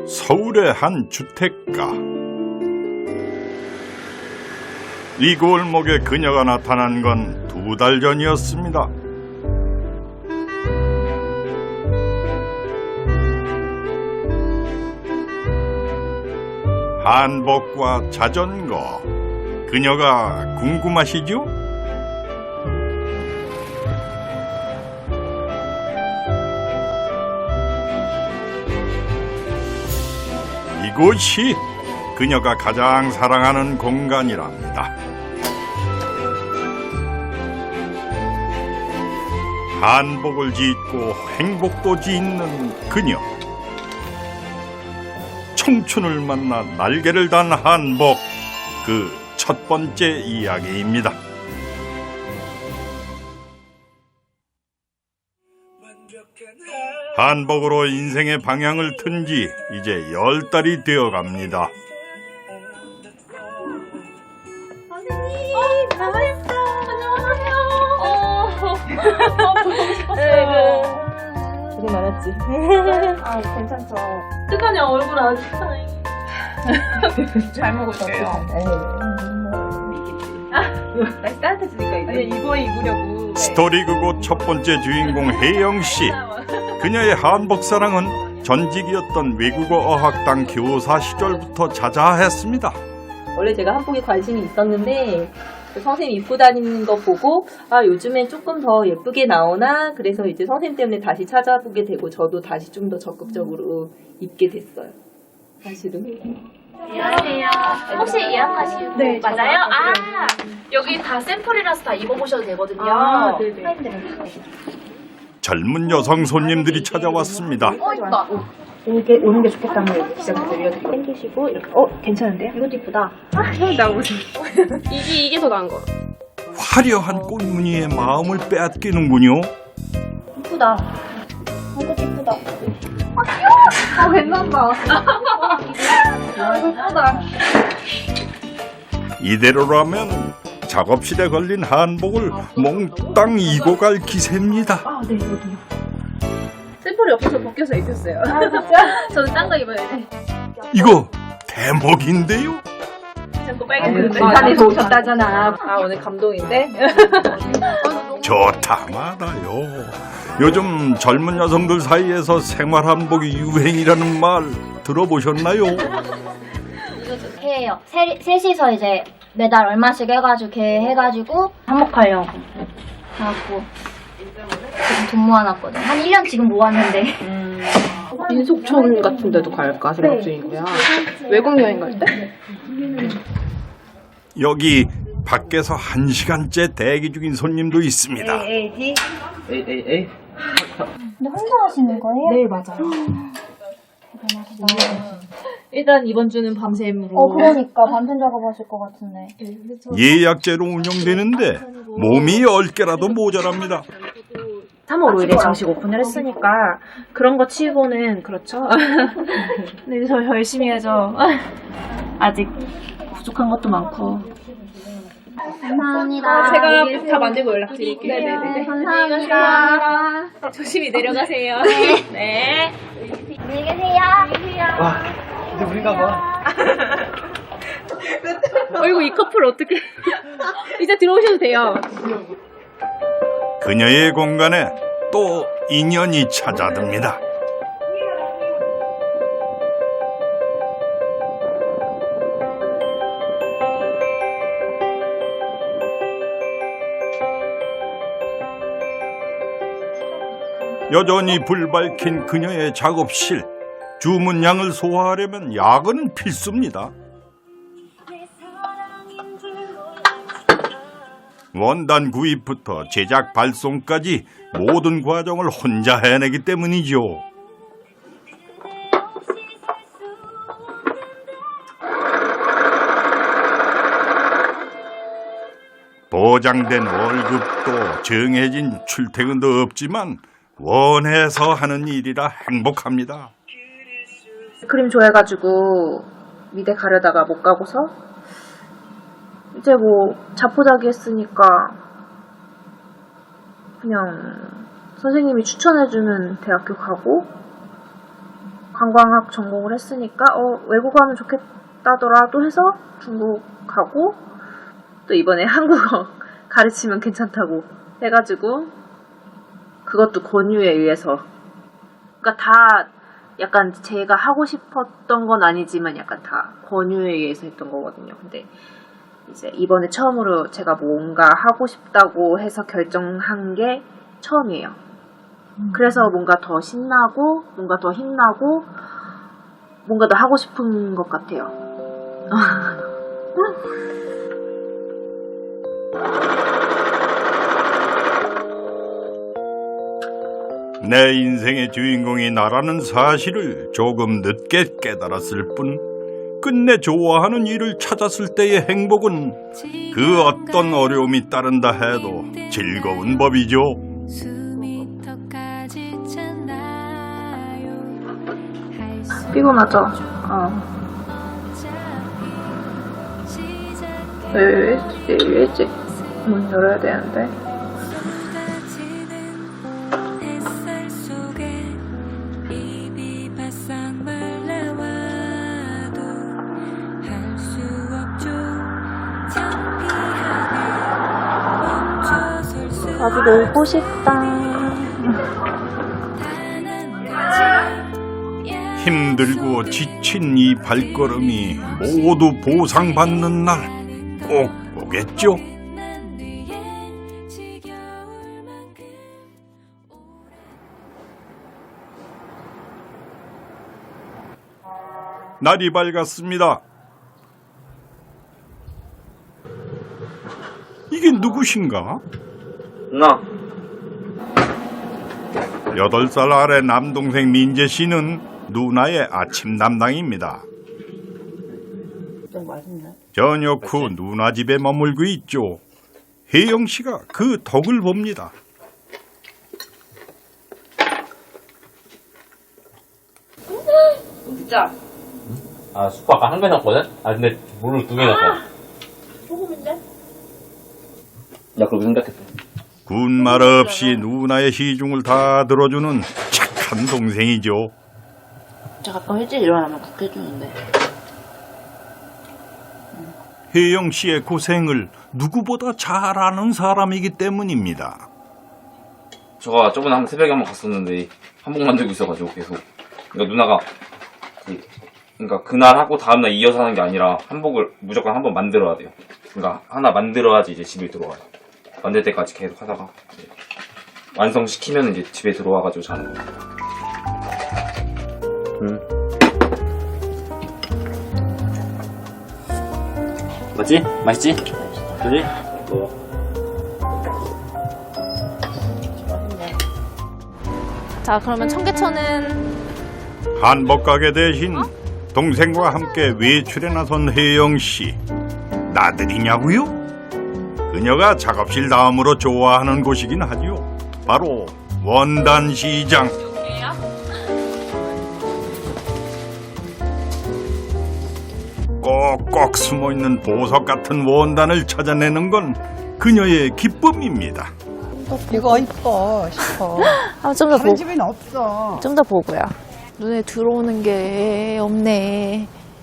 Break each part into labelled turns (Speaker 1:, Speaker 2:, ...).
Speaker 1: 서울의 한 주택가. 이 골목에 그녀가 나타난 건 2달 전이었습니다. 한복과 자전거, 그녀가 궁금하시죠? 이곳이 그녀가 가장 사랑하는 공간이랍니다. 한복을 짓고 행복도 짓는 그녀. 청춘을 만나 날개를 단 한복, 그 첫 번째 이야기입니다. 한복으로 인생의 방향을 튼 지 이제 10달이 되어갑니다.
Speaker 2: 되게 많았지. 아, 괜찮죠.
Speaker 3: 뜨거냐 얼굴 아주
Speaker 2: 잘 먹었어요. 날씨 따뜻해지니까 이제 입으려고.
Speaker 1: 스토리그곳 첫 번째 주인공 혜영 씨. 그녀의 한복 사랑은 전직이었던 외국어 어학당 교사 시절부터 자자했습니다.
Speaker 2: 원래 제가 한복에 관심이 있었는데 선생님 입고 다니는 거 보고 아 요즘엔 조금 더 예쁘게 나오나 그래서 이제 선생님 때문에 다시 찾아보게 되고 저도 다시 좀 더 적극적으로 입게 됐어요. 사실은.
Speaker 3: 안녕하세요. 혹시 예약하신 네, 맞아요? 아 여기 다 샘플이라서 다 입어보셔도 되거든요.
Speaker 2: 아, 네네.
Speaker 1: 젊은 여성 손님들이 찾아왔습니다.
Speaker 3: 있다.
Speaker 2: 이게 오는 게 좋겠다면 기장을 늘려드리고 당기시고 이렇게 괜찮은데요? 이것도 이쁘다. 나오세요.
Speaker 3: 이게 더 나은 거.
Speaker 1: 화려한 꽃무늬의 마음을 빼앗기는군요.
Speaker 2: 이쁘다. 이것도 이쁘다. 괜찮다. 이쁘다.
Speaker 1: 이대로라면 작업실에 걸린 한복을 몽땅 이고 갈 기세입니다.
Speaker 2: 아, 네, 여기요.
Speaker 3: 샘플이 없어서 벗겨서 입혔어요.
Speaker 2: 아, 진짜?
Speaker 3: 저는 딴 거 입어야지.
Speaker 1: 이거 대목인데요?
Speaker 3: 자꾸 빨개지는데.
Speaker 2: 부산에서 오셨다잖아. 아, 오늘 감동인데?
Speaker 1: 좋다 마다요. 요즘 젊은 여성들 사이에서 생활 한복이 유행이라는 말 들어보셨나요?
Speaker 4: 해요. 셋이서 이제 매달 얼마씩 해가지고 계획해가지고 한복하려고 해갖고 지금 돈 모아놨거든. 한 1년 지금 모았는데.
Speaker 5: 민속촌 같은 데도 갈까 생각 중이고요. 외국 여행 갈 때?
Speaker 1: 여기 밖에서 1시간째 대기 중인 손님도 있습니다.
Speaker 4: 근데 혼자 하시는 거예요?
Speaker 2: 네, 맞아요.
Speaker 3: 일단 이번 주는 밤샘으로.
Speaker 4: 그러니까 밤샘 작업하실 것 같은데.
Speaker 1: 예약제로 운영되는데 몸이 10개라도 모자랍니다.
Speaker 5: 3월 5일에 정식 오픈을 했으니까 그런 거 치고는 그렇죠. 근데 저 열심히 해야죠. 아직 부족한 것도 많고.
Speaker 4: 감사합니다.
Speaker 3: 제가 다 만들고 연락드릴게요.
Speaker 4: 네네네. 감사합니다.
Speaker 3: 조심히 내려가세요. 네.
Speaker 4: 안녕히 계세요.
Speaker 6: 와, 이제 우리가 봐.
Speaker 3: 어이구 이 커플 어떻게? 이제 들어오셔도 돼요.
Speaker 1: 그녀의 공간에 또 인연이 찾아듭니다. 여전히 불 밝힌 그녀의 작업실. 주문량을 소화하려면 야근은 필수입니다. 원단 구입부터 제작 발송까지 모든 과정을 혼자 해내기 때문이죠. 보장된 월급도 정해진 출퇴근도 없지만 원해서 하는 일이라 행복합니다.
Speaker 5: 그림 좋아해가지고 미대 가려다가 못 가고서 이제 뭐 자포자기 했으니까 그냥 선생님이 추천해주는 대학교 가고 관광학 전공을 했으니까 외국어 하면 좋겠다더라도 해서 중국 가고 또 이번에 한국어 가르치면 괜찮다고 해가지고 그것도 권유에 의해서 그러니까 다 약간 제가 하고 싶었던 건 아니지만 약간 다 권유에 의해서 했던 거거든요. 근데 이제 이번에 처음으로 제가 뭔가 하고 싶다고 해서 결정한 게 처음이에요. 그래서 뭔가 더 신나고 뭔가 더 힘나고 뭔가 더 하고 싶은 것 같아요.
Speaker 1: 내 인생의 주인공이 나라는 사실을 조금 늦게 깨달았을 뿐 끝내 좋아하는 일을 찾았을 때의 행복은 그 어떤 어려움이 따른다 해도 즐거운 법이죠.
Speaker 5: 피곤하죠? 왜 일찍 문 열어야 되는데? 나도 놀고 싶다.
Speaker 1: 힘들고 지친 이 발걸음이 모두 보상받는 날 꼭 오겠죠. 날이 밝았습니다. 이게 누구신가?
Speaker 6: 누나.
Speaker 1: 8살 아래 남동생 민재 씨는 누나의 아침 담당입니다. 저녁 후 누나 집에 머물고 있죠. 혜영 씨가 그 덕을 봅니다.
Speaker 2: 진짜.
Speaker 7: 아, 수프 아까 한 개 넣었거든? 아, 근데 물을 2개 넣었어.
Speaker 2: 소금인데?
Speaker 7: 나 그렇게 생각했어.
Speaker 1: 군말 없이 누나의 시중을 다 들어주는 착한 동생이죠.
Speaker 8: 저 가끔 일찍 일어나면 국회 해주는데.
Speaker 1: 혜영 씨의 고생을 누구보다 잘 아는 사람이기 때문입니다.
Speaker 7: 저가 저번에 새벽에 한번 갔었는데 한복 만들고 있어가지고 계속. 그러니까 누나가 그러니까 그날 하고 다음날 이어서 하는 게 아니라 한복을 무조건 한번 만들어야 돼요. 그러니까 하나 만들어야지 이제 집에 들어와요. 만들 때까지 계속 하다가 완성시키면 이제 집에 들어와가지고 자는 거예요. 맞지? 맛있지? 그지?
Speaker 3: 자, 그러면 청계천은
Speaker 1: 한복 가게 대신 동생과 함께 외출에 나선 혜영 씨. 나들이냐고요? 그녀가 작업실 다음으로 좋아하는 곳이긴 하지요. 바로 원단시장. 꼭꼭 숨어있는 보석 같은 원단을 찾아내는 건 그녀의 기쁨입니다.
Speaker 9: 이거 이뻐 싶어.
Speaker 3: 좀 더
Speaker 9: 다른 집엔 없어.
Speaker 3: 좀 더 보고요. 눈에 들어오는 게 없네.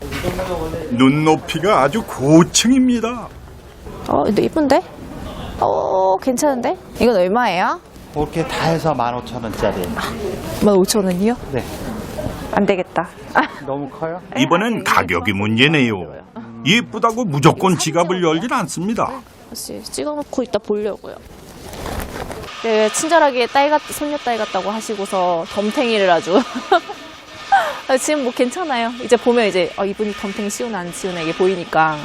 Speaker 1: 눈높이가 아주 고층입니다.
Speaker 3: 근데 이쁜데? 괜찮은데? 이건 얼마예요?
Speaker 6: 그렇게 다 해서 15,000원짜리.
Speaker 3: 15,000원이요?
Speaker 6: 네.
Speaker 3: 안 되겠다.
Speaker 6: 너무 커요?
Speaker 1: 이번엔 가격이 문제네요. 예쁘다고 무조건 지갑을 열진 않습니다.
Speaker 3: 다시 찍어놓고 이따 보려고요. 네, 친절하게 손녀 딸 같다고 하시고서 덤탱이를 아주. 지금 뭐 괜찮아요. 이제 보면 이제 이분이 덤탱이 씌우나 안 씌우나 이게 보이니까.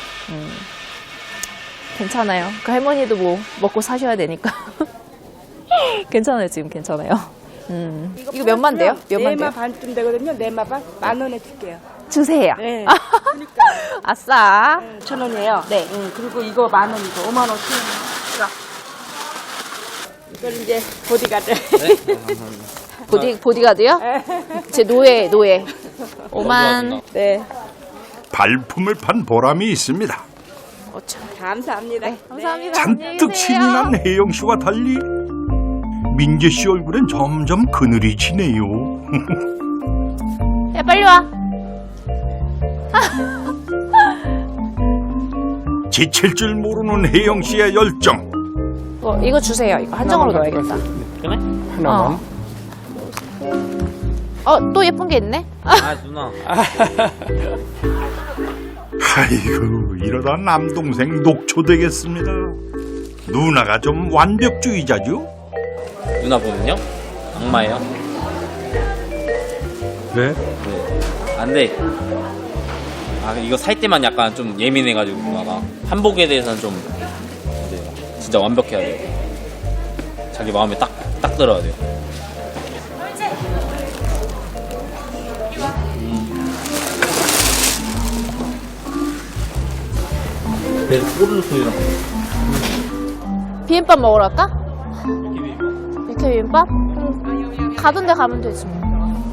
Speaker 3: 괜찮아요. 그 할머니도 뭐 먹고 사셔야 되니까. 괜찮아요. 지금 괜찮아요. 이거 몇만 돼요? 몇만 돼요?
Speaker 9: 4마 반쯤 되거든요. 4마 반? 10,000원에 줄게요.
Speaker 3: 주세요.
Speaker 9: 네. 그러니까.
Speaker 3: 아싸.
Speaker 9: 1,000원이에요.
Speaker 3: 네.
Speaker 9: 그리고 이거 10,000원이고 55,000원. 이걸 이제 보디가드.
Speaker 3: 보디가드요? 제 노예. 5만.
Speaker 9: 네.
Speaker 1: 발품을 판 보람이 있습니다.
Speaker 3: 5천.
Speaker 9: 감사합니다.
Speaker 3: 네, 감사합니다.
Speaker 1: 잔뜩 신이 난 혜영 씨와 달리 민재 씨 얼굴엔 점점 그늘이 지네요.
Speaker 3: 야, 빨리 와.
Speaker 1: 지칠 줄 모르는 혜영 씨의 열정.
Speaker 3: 이거 주세요. 이거 한정으로 넣어야겠다.
Speaker 7: 그래?
Speaker 3: 하나만. 또 예쁜 게 있네?
Speaker 7: 아 누나.
Speaker 1: 아이고, 이러다 남동생 녹초되겠습니다. 누나가 좀 완벽주의자죠?
Speaker 7: 누나 보면요? 악마예요.
Speaker 1: 네.
Speaker 7: 안 돼. 아 이거 살 때만 약간 좀 예민해가지고 누나가 한복에 대해서는 좀 이제 진짜 완벽해야 돼요. 자기 마음에 딱 들어야 돼요. 꼬르륵 소리랑
Speaker 3: 비빔밥 먹으러 갈까? 육회 비빔밥? 가던 데 가면 되지 뭐.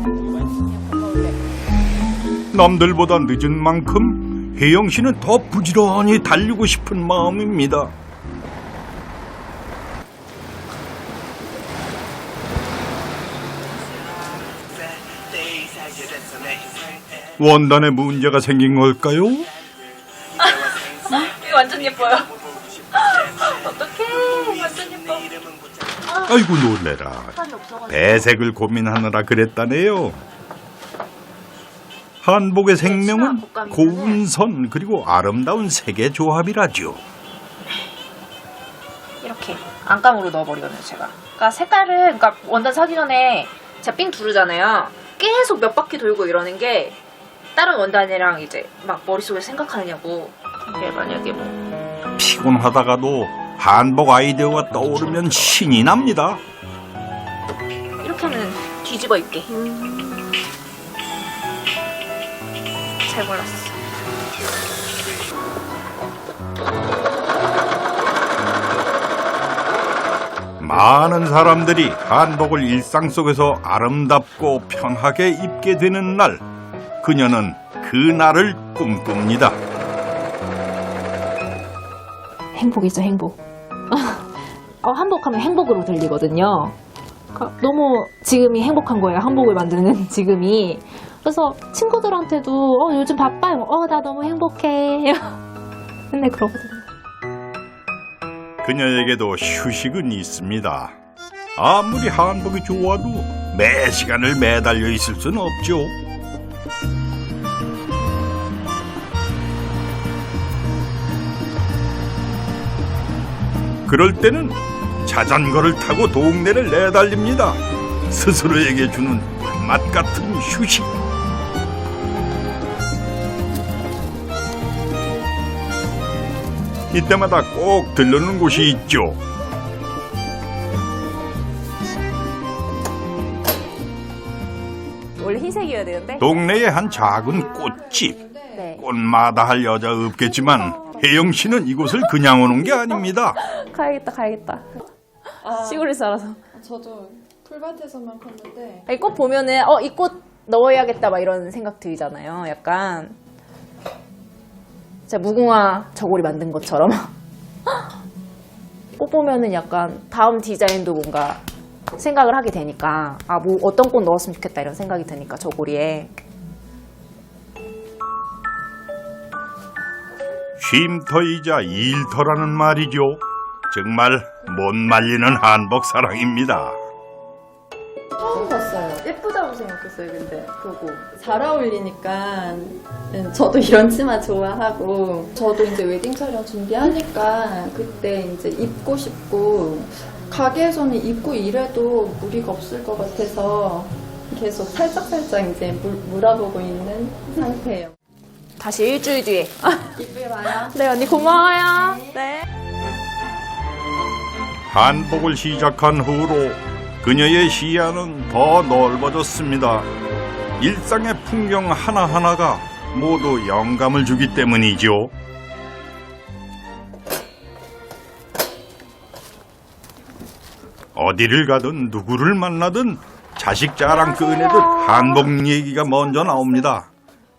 Speaker 1: 남들보다 늦은 만큼 혜영 씨는 더 부지런히 달리고 싶은 마음입니다. 원단에 문제가 생긴 걸까요?
Speaker 2: 이거 완전 예뻐요. 어떡해. 완전 예뻐.
Speaker 1: 아이고 놀래라. 배색을 고민하느라 그랬다네요. 한복의 생명은 고운 선 그리고 아름다운 색의 조합이라죠.
Speaker 3: 이렇게 안감으로 넣어버리거든요 제가. 그러니까 색깔을 그러니까 원단 사기 전에 제가 삥 두르잖아요. 계속 몇 바퀴 돌고 이러는 게 다른 원단이랑 이제 막 머릿속에 생각하느냐고. 이게 만약에 뭐
Speaker 1: 피곤하다가도 한복 아이디어가 떠오르면 신이 납니다.
Speaker 3: 이렇게 하면 뒤집어 입게. 잘 골랐어.
Speaker 1: 많은 사람들이 한복을 일상 속에서 아름답고 편하게 입게 되는 날, 그녀는 그 날을 꿈꿉니다.
Speaker 3: 행복이죠, 행복. 한복하면 행복으로 들리거든요. 그러니까 너무 지금이 행복한 거예요, 한복을 만드는 지금이. 그래서 친구들한테도 요즘 바빠요. 나 너무 행복해. 맨날 그러거든요.
Speaker 1: 그녀에게도 휴식은 있습니다. 아무리 한복이 좋아도 매 시간을 매달려 있을 수는 없죠. 그럴 때는 자전거를 타고 동네를 내달립니다. 스스로에게 주는 맛 같은 휴식. 이때마다 꼭 들르는 곳이 있죠.
Speaker 3: 원래 흰색이어야 되는데.
Speaker 1: 동네의 한 작은 꽃집.
Speaker 3: 네.
Speaker 1: 꽃마다 할 여자 없겠지만 혜영 씨는 이곳을 그냥 오는 게 아닙니다.
Speaker 3: 가야겠다. 시골에 살아서.
Speaker 10: 저도 풀밭에서만 컸는데
Speaker 3: 이 꽃 보면은 이 꽃 넣어야겠다 막 이런 생각 들잖아요. 약간 진짜 무궁화 저고리 만든 것처럼. 꽃 보면은 약간 다음 디자인도 뭔가 생각을 하게 되니까 뭐 어떤 꽃 넣었으면 좋겠다 이런 생각이 드니까 저고리에.
Speaker 1: 쉼터이자 일터라는 말이죠. 정말 못 말리는 한복 사랑입니다.
Speaker 10: 처음 봤어요. 예쁘다고 생각했어요. 근데 그거 잘 어울리니까 저도 이런 치마 좋아하고 저도 이제 웨딩 촬영 준비하니까 그때 이제 입고 싶고 가게에서는 입고 이래도 무리가 없을 것 같아서 계속 살짝살짝 이제 물어보고 있는 상태예요.
Speaker 3: 다시 일주일 뒤에.
Speaker 10: 이쁘게 봐요.
Speaker 3: 네 언니 고마워요. 네.
Speaker 1: 한복을 시작한 후로 그녀의 시야는 더 넓어졌습니다. 일상의 풍경 하나하나가 모두 영감을 주기 때문이죠. 어디를 가든 누구를 만나든 자식 자랑 꺼내듯 한복 얘기가 먼저 나옵니다.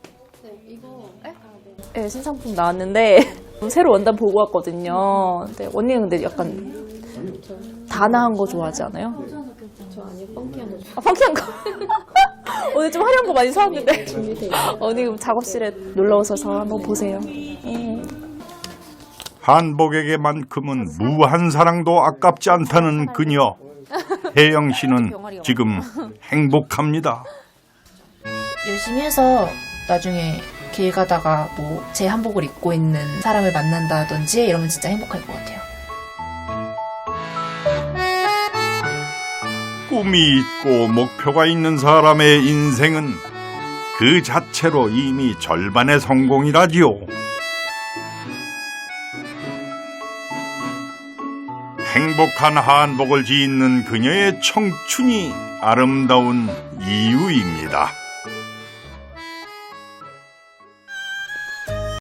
Speaker 3: 네, 신상품 나왔는데 새로 원단 보고 왔거든요. 근데 언니는 근데 약간 다나한 거 좋아하지 않아요?
Speaker 10: 저 아니요, 펑키한 거.
Speaker 3: 펑키한 거. 오늘 좀 화려한 거 많이 사왔는데. 언니 그럼 작업실에 놀러 오셔서 한번 보세요.
Speaker 1: 한복에게만큼은 무한 사랑도 아깝지 않다는 그녀. 혜영 씨는 지금 행복합니다.
Speaker 8: 열심히 해서 나중에 길 가다가 뭐 제 한복을 입고 있는 사람을 만난다든지 이러면 진짜 행복할 것 같아요.
Speaker 1: 꿈이 있고 목표가 있는 사람의 인생은 그 자체로 이미 절반의 성공이라지요. 행복한 한복을 짓는 그녀의 청춘이 아름다운 이유입니다.